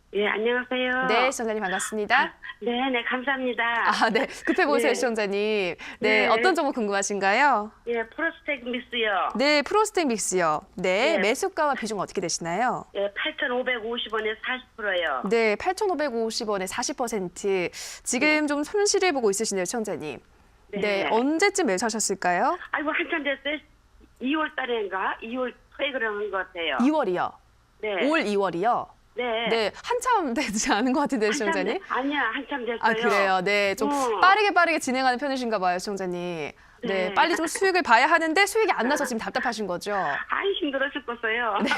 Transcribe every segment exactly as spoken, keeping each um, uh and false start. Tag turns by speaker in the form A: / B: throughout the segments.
A: 예, 안녕하세요.
B: 네, 시청자님 반갑습니다.
A: 아, 네, 네, 감사합니다.
B: 아, 네. 급해 보이세요,
A: 네.
B: 시청자님. 네,
A: 네.
B: 어떤 정보 궁금하신가요?
A: 예, 프로스텍 믹스요.
B: 네, 프로스텍 믹스요. 네,
A: 네.
B: 매수가와 비중 어떻게 되시나요?
A: 예, 팔천오백오십 원에 사십 퍼센트요.
B: 네, 팔천오백오십 원에 사십 퍼센트. 지금 좀 손실을 보고 있으시네요, 시청자님. 네.
A: 네.
B: 언제쯤 매수하셨을까요?
A: 아이고, 한참 됐어요. 이월 달인가? 이월 초에 그런 것 같아요.
B: 이월이요.
A: 네.
B: 올 이월이요.
A: 네.
B: 네, 한참 되지 않은 것 같은데,
A: 한참
B: 시청자님.
A: 됐- 아니야, 한참 됐어요.
B: 아, 그래요. 네, 좀
A: 어.
B: 빠르게 빠르게 진행하는 편이신가 봐요, 시청자님. 네,
A: 네.
B: 빨리 좀 수익을 봐야 하는데 수익이 안 나서 지금 답답하신 거죠?
A: 아이, 힘들어 죽겠어요.
B: 네.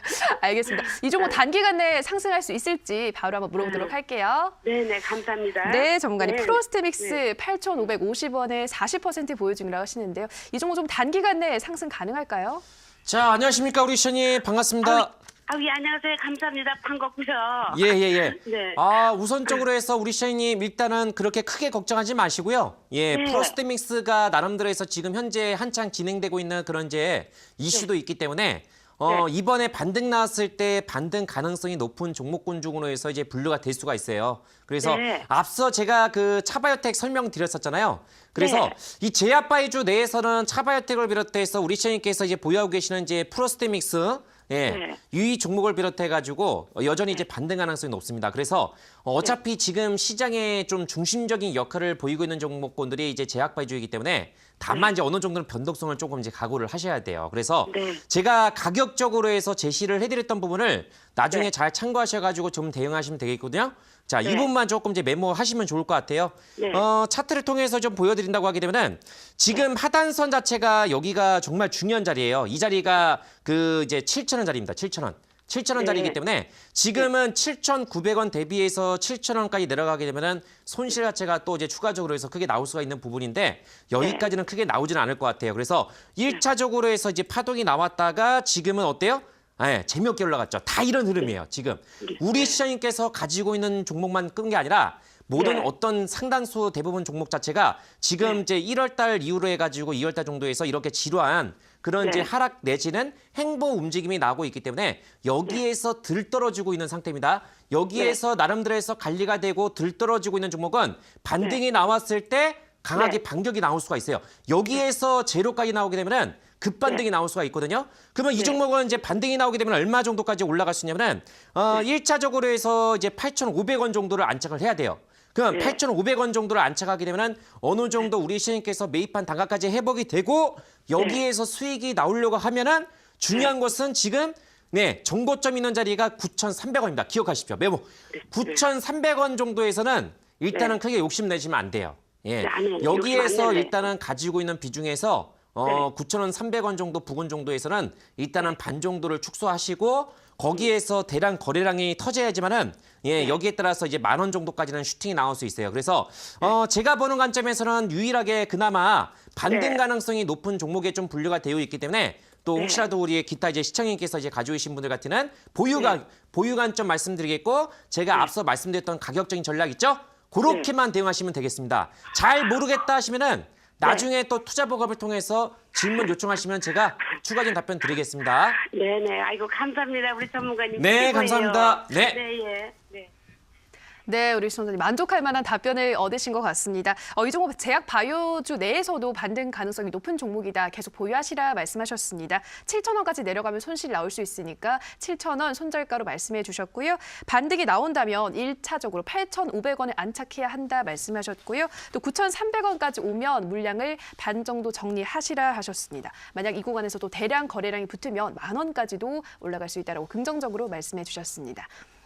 B: 알겠습니다. 이 종목 단기간 내에 상승할 수 있을지 바로 한번 물어보도록
A: 네.
B: 할게요.
A: 네, 네, 감사합니다.
B: 네, 전문가님.
A: 네.
B: 프로스테믹스
A: 네.
B: 팔천오백오십 원에 사십 퍼센트 보유 중이라고 하시는데요. 이 종목 좀 단기간 내에 상승 가능할까요?
C: 자, 안녕하십니까 우리 시청님 반갑습니다.
A: 아우, 예, 안녕하세요. 감사합니다. 반갑고요.
C: 예, 예, 예.
A: 네.
C: 아, 우선적으로 해서 우리 시청님 일단은 그렇게 크게 걱정하지 마시고요. 예,
A: 네.
C: 프로스테믹스가 나름대로 해서 지금 현재 한창 진행되고 있는 그런 이제 이슈도 있기 때문에 어,
A: 네.
C: 이번에 반등 나왔을 때 반등 가능성이 높은 종목군 중으로 해서 이제 분류가 될 수가 있어요. 그래서
A: 네.
C: 앞서 제가 그 차바이오텍 설명드렸었잖아요. 그래서
A: 네.
C: 이 제약바이주 내에서는 차바이오텍을 비롯해서 우리 시청님께서 이제 보유하고 계시는 이제 프로스테믹스 예,
A: 네.
C: 유의 종목을 비롯해가지고 여전히 이제 반등 가능성이 높습니다. 그래서 어차피 지금 시장에 좀 중심적인 역할을 보이고 있는 종목군들이 이제 제약바이주이기 때문에 다만 이제 어느 정도는 변동성을 조금 이제 각오를 하셔야 돼요. 그래서
A: 네.
C: 제가 가격적으로 해서 제시를 해드렸던 부분을 나중에
A: 네.
C: 잘 참고하셔가지고 좀 대응하시면 되겠거든요. 자, 이
A: 네.
C: 부분만 조금 이제 메모하시면 좋을 것 같아요.
A: 네.
C: 어, 차트를 통해서 좀 보여드린다고 하게 되면은 지금 하단선 자체가 여기가 정말 중요한 자리예요. 이 자리가 그 이제 칠천 원 자리입니다. 칠천 원. 칠천 원
A: 네.
C: 자리이기 때문에 지금은 칠천구백 원 대비해서 칠천 원까지 내려가게 되면은 손실 자체가 또 이제 추가적으로 해서 크게 나올 수가 있는 부분인데 여기까지는 크게 나오지는 않을 것 같아요. 그래서 일 차적으로 해서 이제 파동이 나왔다가 지금은 어때요? 네, 재미없게 올라갔죠. 다 이런 흐름이에요. 지금 우리 시장님께서 가지고 있는 종목만 끈 게 아니라 모든
A: 네.
C: 어떤 상당수 대부분 종목 자체가 지금
A: 네.
C: 이제 일월 달 이후로 해가지고 이월 달 정도에서 이렇게 지루한 그런
A: 네.
C: 이제 하락 내지는 행보 움직임이 나오고 있기 때문에 여기에서 들떨어지고 있는 상태입니다. 여기에서 나름대로 해서 관리가 되고 들떨어지고 있는 종목은 반등이 나왔을 때 강하게
A: 네.
C: 반격이 나올 수가 있어요. 여기에서 제로까지 나오게 되면은 급반등이 나올 수가 있거든요. 그러면 이
A: 네.
C: 종목은 이제 반등이 나오게 되면 얼마 정도까지 올라갈 수 있냐면은 어, 일 차적으로 해서 이제 팔천오백 원 정도를 안착을 해야 돼요. 그럼
A: 네.
C: 팔천오백 원 정도를 안착하게 되면은 어느 정도 우리 시장님께서 매입한 단가까지 회복이 되고 여기에서 수익이 나오려고 하면은 중요한 것은 지금 네, 정고점 있는 자리가 구천삼백 원입니다. 기억하십시오. 메모. 구천삼백 원 정도에서는 일단은
A: 네.
C: 크게 욕심내시면 안 돼요. 예.
A: 네, 안 해요. 욕심
C: 여기에서
A: 안 낼래요.
C: 일단은 가지고 있는 비중에서 어, 구천 원, 삼백 원 정도 부근 정도에서는 일단은 반 정도를 축소하시고 거기에서 대량 거래량이 터져야지만은 예, 여기에 따라서 이제 만 원 정도까지는 슈팅이 나올 수 있어요. 그래서 어, 제가 보는 관점에서는 유일하게 그나마 반등
A: 네.
C: 가능성이 높은 종목에 좀 분류가 되어 있기 때문에 또
A: 네.
C: 혹시라도 우리 기타 이제 시청님께서 이제 가지고 계신 분들 같은 보유가
A: 네.
C: 보유 관점 말씀드리겠고 제가 앞서 말씀드렸던 가격적인 전략 있죠? 그렇게만 대응하시면 되겠습니다. 잘 모르겠다 하시면은 나중에 또 투자 보급을 통해서 질문 요청하시면 제가 추가적인 답변 드리겠습니다.
A: 네네. 아이고, 감사합니다. 우리 전문가님.
C: 네,
A: 최고예요.
C: 감사합니다. 네.
A: 네, 예. 네.
B: 네, 우리 시청자님 만족할 만한 답변을 얻으신 것 같습니다. 어, 이 종목 제약 바이오주 내에서도 반등 가능성이 높은 종목이다. 계속 보유하시라 말씀하셨습니다. 칠천 원까지 내려가면 손실이 나올 수 있으니까 칠천 원 손절가로 말씀해 주셨고요. 반등이 나온다면 일 차적으로 팔천오백 원에 안착해야 한다 말씀하셨고요. 또 구천삼백 원까지 오면 물량을 반 정도 정리하시라 하셨습니다. 만약 이 구간에서도 대량 거래량이 붙으면 만 원까지도 올라갈 수 있다고 긍정적으로 말씀해 주셨습니다.